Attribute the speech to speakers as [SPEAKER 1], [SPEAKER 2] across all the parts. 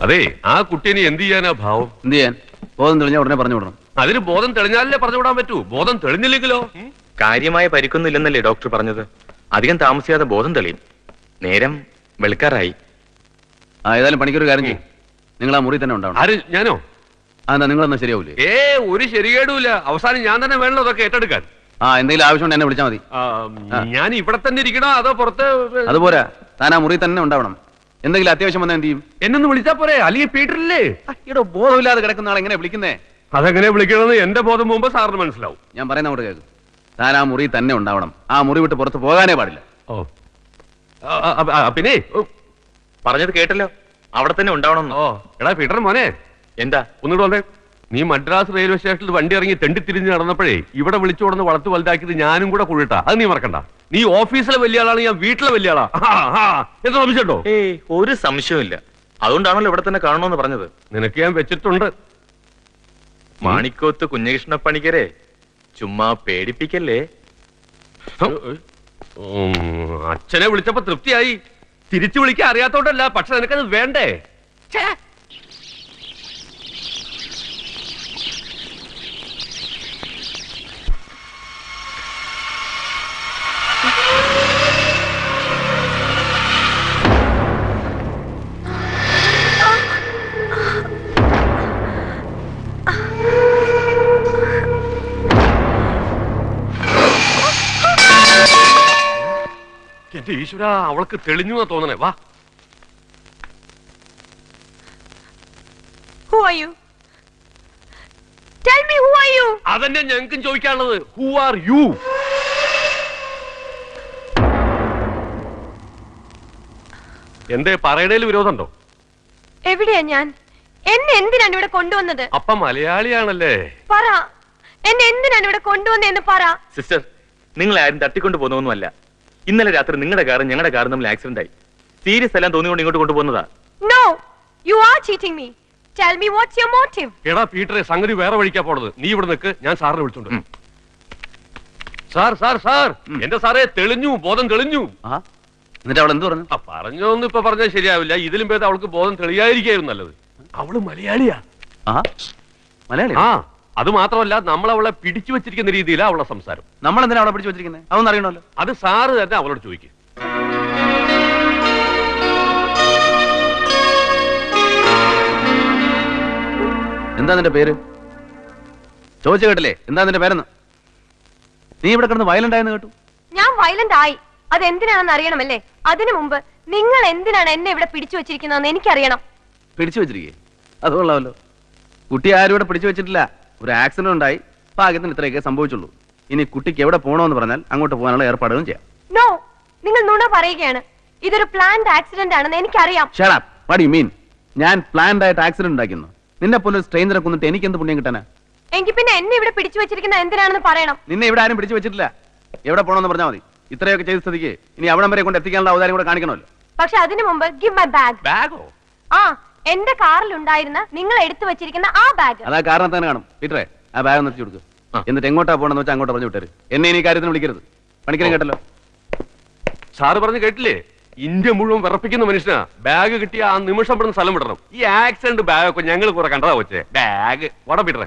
[SPEAKER 1] അതെ, ആ കുട്ടീനെ എന്ത് ചെയ്യാനാ ഭാവം?
[SPEAKER 2] എന്ത് ചെയ്യാൻ? ബോധം തെളിഞ്ഞാൽ ഉടനെ പറഞ്ഞു വിടണം.
[SPEAKER 1] അതിന് ബോധം തെളിഞ്ഞാലേ പറഞ്ഞു വിടാൻ പറ്റൂ. ബോധം തെളിഞ്ഞില്ലെങ്കിലോ?
[SPEAKER 3] കാര്യമായ പരിക്കൊന്നുമില്ലെന്നല്ലേ ഡോക്ടർ പറഞ്ഞത്? അധികം താമസിയാതെ ബോധം തെളിയും. നേരം വെളുക്കാറായി.
[SPEAKER 2] ഏതായാലും പണിക്കൊരു കാര്യം ചെയ്യും, നിങ്ങൾ ആ മുറി തന്നെ ഉണ്ടാവണം.
[SPEAKER 1] ആര്? ഞാനോ?
[SPEAKER 2] എന്താ നിങ്ങളൊന്നും ശരിയാവൂലേ?
[SPEAKER 1] ഒരു ശരികേടുമില്ല. അവസാനം ഞാൻ തന്നെ വേണല്ലോ അതൊക്കെ ഏറ്റെടുക്കാൻ.
[SPEAKER 2] എന്തെങ്കിലും ആവശ്യമുണ്ട് എന്നെ വിളിച്ചാൽ മതി.
[SPEAKER 1] ഞാൻ ഇവിടെ തന്നെ ഇരിക്കണോ അതോ പുറത്ത്?
[SPEAKER 2] അതുപോരാ, താൻ ആ മുറി തന്നെ ഉണ്ടാവണം. എന്തെങ്കിലും അത്യാവശ്യം വന്നാൽ എന്ത് ചെയ്യും?
[SPEAKER 1] എന്നൊന്ന് വിളിച്ചാ പോരെ? അല്ലെങ്കിൽ പീറ്ററില്ലേ?
[SPEAKER 2] ഇവിടെ ബോധമില്ലാതെ കിടക്കുന്ന ആൾ എങ്ങനെ വിളിക്കുന്നേ?
[SPEAKER 1] അതെങ്ങനെ വിളിക്കണമെന്ന് എന്റെ ബോധം മുമ്പ് സാറിന് മനസ്സിലാവും.
[SPEAKER 2] ഞാൻ പറയുന്ന അങ്ങോട്ട് കേൾക്കും. താൻ ആ മുറി തന്നെ ഉണ്ടാവണം. ആ മുറി വിട്ട് പുറത്ത് പോകാനേ പാടില്ല.
[SPEAKER 1] പിന്നെ
[SPEAKER 3] പറഞ്ഞത് കേട്ടല്ലോ, അവിടെ തന്നെ ഉണ്ടാവണം.
[SPEAKER 1] എടാ പീറ്റർ മോനെ,
[SPEAKER 3] എന്താ
[SPEAKER 1] ഒന്നുകൂടെ വന്നേ. നീ മദ്രാസ് റെയിൽവേ സ്റ്റേഷനിൽ വണ്ടി ഇറങ്ങി തെണ്ടിത്തിരിഞ്ഞ് നടന്നപ്പോഴേ ഇവിടെ വിളിച്ചു കൊടുന്ന് വളർത്ത് വലുതാക്കിയത് ഞാനും കൂടെ കുഴിട്ടാ. അത് നീ മറക്കണ്ട. നീ ഓഫീസിലെ വലിയ ആളാണ്, ഞാൻ വീട്ടിലെ വലിയ ആളാ. എന്താ സംശയമുണ്ടോ?
[SPEAKER 3] ഒരു സംശയമില്ല. അതുകൊണ്ടാണല്ലോ ഇവിടെ തന്നെ കാണണമെന്ന് പറഞ്ഞത്.
[SPEAKER 1] നിനക്ക് ഞാൻ വെച്ചിട്ടുണ്ട്.
[SPEAKER 3] മാണിക്കോത്ത് കുഞ്ഞകൃഷ്ണ പണിക്കരെ, ചുമ്മാ പേടിപ്പിക്കല്ലേ.
[SPEAKER 1] അച്ഛനെ വിളിച്ചപ്പോ തൃപ്തിയായി. തിരിച്ചു വിളിക്കാൻ അറിയാത്തോണ്ടല്ല, പക്ഷെ നിനക്കത് വേണ്ടേ? എന്റെ ഈശ്വര, അവൾക്ക് തെളിഞ്ഞു തോന്നണേ. വാ. അതന്നെ ഞങ്ങൾക്കും ചോദിക്കാനുള്ളത്. Who are you? എന്തേ പറയണേല് വിരോധമുണ്ടോ?
[SPEAKER 4] എവിടെയാ ഞാൻ? എന്നെ എന്തിനാണ് ഇവിടെ കൊണ്ടുവന്നത്?
[SPEAKER 1] അപ്പ മലയാളിയാണല്ലേ?
[SPEAKER 4] പറ, എന്നെ എന്തിനാണ് ഇവിടെ കൊണ്ടുവന്നതെന്ന് പറ.
[SPEAKER 3] സിസ്റ്റർ, നിങ്ങൾ ആരും തട്ടിക്കൊണ്ടു പോകുന്നൊന്നുമല്ല. ഇന്നലെ രാത്രി നിങ്ങളുടെ കാറും ഞങ്ങളുടെ കാറും തമ്മിൽ ആക്സിഡന്റ് ആയി. സീരിയസ് എല്ലാം തോന്നിക്കൊണ്ട് ഇങ്ങോട്ട് കൊണ്ടുപോകുന്നതാ.
[SPEAKER 4] No, you are cheating me. Tell me what's your motive?
[SPEAKER 1] എടാ പീറ്ററെ, സംഗതി വേറെ വഴിക്കാ പോണത്. നീ ഇവിടെ നിൽക്ക്, ഞാൻ സാറിനെ വിളിച്ചോണ്ട്. സാർ സാർ സാർ, എന്റെ സാറേ തെളിഞ്ഞു, ബോധം തെളിഞ്ഞു.
[SPEAKER 2] എന്നിട്ട് അവൾ എന്ത് പറഞ്ഞു?
[SPEAKER 1] പറഞ്ഞോന്ന് ഇപ്പൊ പറഞ്ഞാൽ ശരിയാവില്ല. ഇതിലും ഭേദം അവൾക്ക് ബോധം തെളിയായിരിക്കും നല്ലത്. അവള് മലയാളിയാ.
[SPEAKER 2] മലയാളി?
[SPEAKER 1] അത് മാത്രമല്ല, നമ്മൾ അവളെ പിടിച്ചു വെച്ചിരിക്കുന്ന രീതിയിലാണ് അവളുടെ സംസാരം.
[SPEAKER 2] നമ്മൾ എന്തിനാ അവളെ പിടിച്ചു വെച്ചിരിക്കുന്നത്? അതൊന്നും അറിയണമല്ലോ.
[SPEAKER 1] അത് സാറ് തന്നെ അവളോട് ചോദിക്കും.
[SPEAKER 2] എന്താ നിന്റെ പേര്? ചോദിച്ചു കേട്ടില്ലേ എന്താ നിന്റെ പേരെന്ന്? നീ ഇവിടെ കിടന്ന് വയലന്റ് ആയെന്ന് കേട്ടു.
[SPEAKER 4] ഞാൻ വയലന്റ് ആയി, അത് എന്തിനാണെന്ന് അറിയണമല്ലേ? അതിനു മുമ്പ് നിങ്ങൾ എന്തിനാണ് എന്നെ ഇവിടെ പിടിച്ചു വെച്ചിരിക്കുന്നതെന്ന് എനിക്കറിയണം.
[SPEAKER 2] പിടിച്ചു വെച്ചിരിക്കേ? അത് കൊള്ളാമല്ലോ. കുട്ടി ആരും ഇവിടെ പിടിച്ചു വെച്ചിട്ടില്ല. ഒരു ആക്സിഡന്റ് ഉണ്ടായി, ഭാഗ്യത്തിന് ഇത്രയൊക്കെ സംഭവിച്ചുള്ളൂ. ഇനി കുട്ടിക്ക് എവിടെ പോകണമെന്ന് പറഞ്ഞാൽ അങ്ങോട്ട് പോകാനുള്ള ഏർപ്പാടുകളും ചെയ്യാം.
[SPEAKER 4] നോ, നിങ്ങൾ നുണ പറയുകയാണ്. ഇതൊരു പ്ലാൻഡ് ആക്സിഡന്റ് ആണെന്ന് എനിക്കറിയാം.
[SPEAKER 2] Shut up. What do you mean? ഞാൻ പ്ലാൻഡ് ആയിട്ട് ആക്സിഡന്റ് ഉണ്ടാക്കുന്നു? നിന്നെ പോലെ ഒരു സ്ട്രേഞ്ചറെ കൊന്നിട്ട് എനിക്ക് എന്ത് പുണ്യം കിട്ടാനാ?
[SPEAKER 4] എങ്കിൽ പിന്നെ എന്നെ ഇവിടെ പിടിച്ചു വെച്ചിരിക്കുന്ന എന്തിനാണെന്ന് പറയണം.
[SPEAKER 2] നിന്നെ ഇവിടെ ആരും പിടിച്ചു വെച്ചിട്ടില്ല. എവിടെ പോകണമെന്ന് പറഞ്ഞാൽ മതി. ഇത്രയൊക്കെ ചെയ്ത സ്ഥിതിക്ക് ഇനി അവിടം വരെ കൊണ്ട് എത്തിക്കാനുള്ള അവതാരം കൂടെ കാണിക്കണമല്ലോ.
[SPEAKER 4] പക്ഷെ അതിനു മുമ്പ് ഗിവ് മൈ ബാഗ്.
[SPEAKER 1] ബാഗോ?
[SPEAKER 4] എന്റെ കാറിൽ ഉണ്ടായിരുന്ന നിങ്ങൾ എടുത്തു വെച്ചിരിക്കുന്ന ആ ബാഗ്.
[SPEAKER 2] അതാ കാരണം തന്നെ കാണും. പീറ്ററെ, ആ ബാഗ് ഒന്ന് എത്തിച്ചു കൊടുക്കും. എന്നിട്ട് എങ്ങോട്ടാ പോകണമെന്ന് വെച്ചാൽ അങ്ങോട്ട് പറഞ്ഞു വിട്ടേര്. എന്നെ ഇനി കാര്യത്തിന് വിളിക്കരുത്. പണിക്കരം കേട്ടല്ലോ.
[SPEAKER 1] സാറ് പറഞ്ഞു കേട്ടില്ലേ? ഇന്ത്യ മുഴുവൻ വിറപ്പിക്കുന്ന മനുഷ്യനാ. ബാഗ് കിട്ടിയ ആ നിമിഷം പെടുന്ന സ്ഥലം വിടണം. ഈ ആക്സിഡന്റ് ബാഗൊക്കെ ഞങ്ങൾ കുറെ കണ്ടതാ വെച്ചേ. ബാഗ് വട പീറ്ററെ.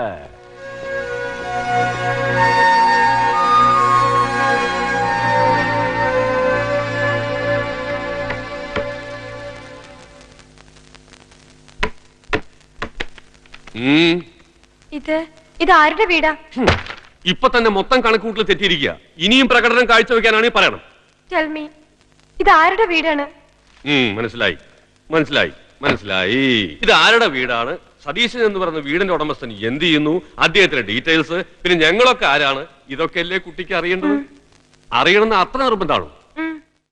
[SPEAKER 4] ഇത് ആരുടെ വീടാ?
[SPEAKER 1] ഇപ്പൊ തന്നെ മൊത്തം കണക്കൂട്ടിൽ തെറ്റിയിരിക്കുക. ഇനിയും പ്രകടനം കാഴ്ചവെക്കാനാണ് പറയണം.
[SPEAKER 4] Tell me, ഇത് ആരുടെ വീടാണ്?
[SPEAKER 1] മനസ്സിലായി മനസ്സിലായി മനസ്സിലായി. ഇത് ആരുടെ വീടാണ്? സതീശൻ എന്ന് പറയുന്ന വീടിന്റെ ഉടമസ്ഥൻ എന്ത് ചെയ്യുന്നു, അദ്ദേഹത്തിന്റെ ഡീറ്റെയിൽസ്, പിന്നെ ഞങ്ങളൊക്കെ ആരാണ്, ഇതൊക്കെ അല്ലേ കുട്ടിക്ക് അറിയേണ്ടത്? അറിയണമെന്ന് അത്ര നിർബന്ധമാണോ?